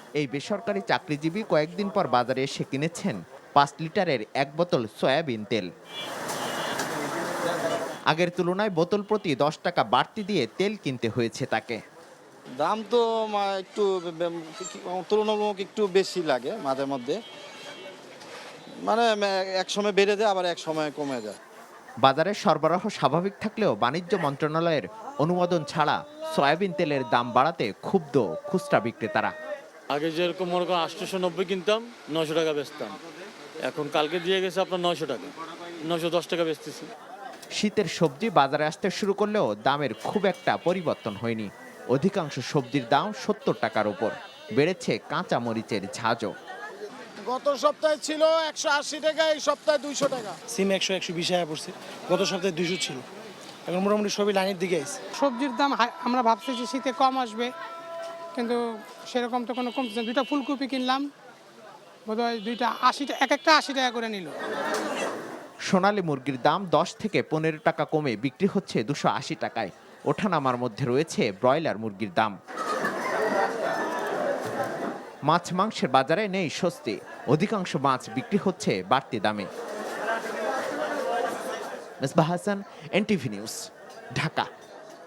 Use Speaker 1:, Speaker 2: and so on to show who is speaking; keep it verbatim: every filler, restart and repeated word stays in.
Speaker 1: এই বেসরকারি চাকরিজীবী কয়েকদিন পর বাজারে এসে কিনেছেন পাঁচ লিটারের এক বোতল সয়াবিন তেল। আগের তুলনায় বোতল প্রতি দশ টাকা বাড়তি দিয়ে তেল কিনতে হয়েছে তাকে।
Speaker 2: দাম তো মা- একটু বে- কি- তুলনামূলক একটু বেশি লাগে মাঝে মধ্যে, মানে মে- এক সময় বেড়ে যায় আবার এক সময় কমে যায়।
Speaker 1: বাজারে সরবরাহ স্বাভাবিক থাকলেও বাণিজ্য মন্ত্রণালয়ের অনুমোদন ছাড়া সয়াবিন তেলের দাম বাড়াতে ক্ষুব্ধ খুচরা বিক্রেতারা।
Speaker 3: আগে যেরকম মনে করেন আটশোশো নব্বই কিনতাম, নশো টাকা বেচতাম। এখন কালকে দিয়ে গেছে আপনার নয়শো টাকা, নশো দশ টাকা বেচতেছি।
Speaker 1: শীতের সবজি বাজারে আসতে শুরু করলেও দামের খুব একটা পরিবর্তন হয়নি। অধিকাংশ সবজির দাম সত্তর টাকার উপর। বেড়েছে কাঁচা মরিচের ঝাঁজও।
Speaker 4: গত সপ্তাহে ছিল একশো আশি টাকা, এই সপ্তাহে দুইশো টাকা।
Speaker 5: সিম একশো একশো বিশ টাকা পড়ছে, গত সপ্তাহে দুইশো ছিল, এখন মোটামুটি সবই লাইনের দিকে আছে।
Speaker 6: সবজির দাম হাই- আমরা ভাবছি যে শীতে কম আসবে, কিন্তু সেরকম তো কোনো কমছে না। দুইটা ফুলকপি কিনলাম, বোধহয় দুইটা আশি টাকা, এক একটা আশি টাকা করে নিল।
Speaker 1: সোনালী মুরগির দাম দশ থেকে পনেরো টাকা কমে বিক্রি হচ্ছে দুশো আশি টাকায়। ওঠানামার মধ্যে রয়েছে ব্রয়লার মুরগির দাম। মাছ মাংসের বাজারে নেই স্বস্তি। অধিকাংশ মাছ বিক্রি হচ্ছে বাড়তি দামে। Mesbah Hasan, NTV news, Dhaka.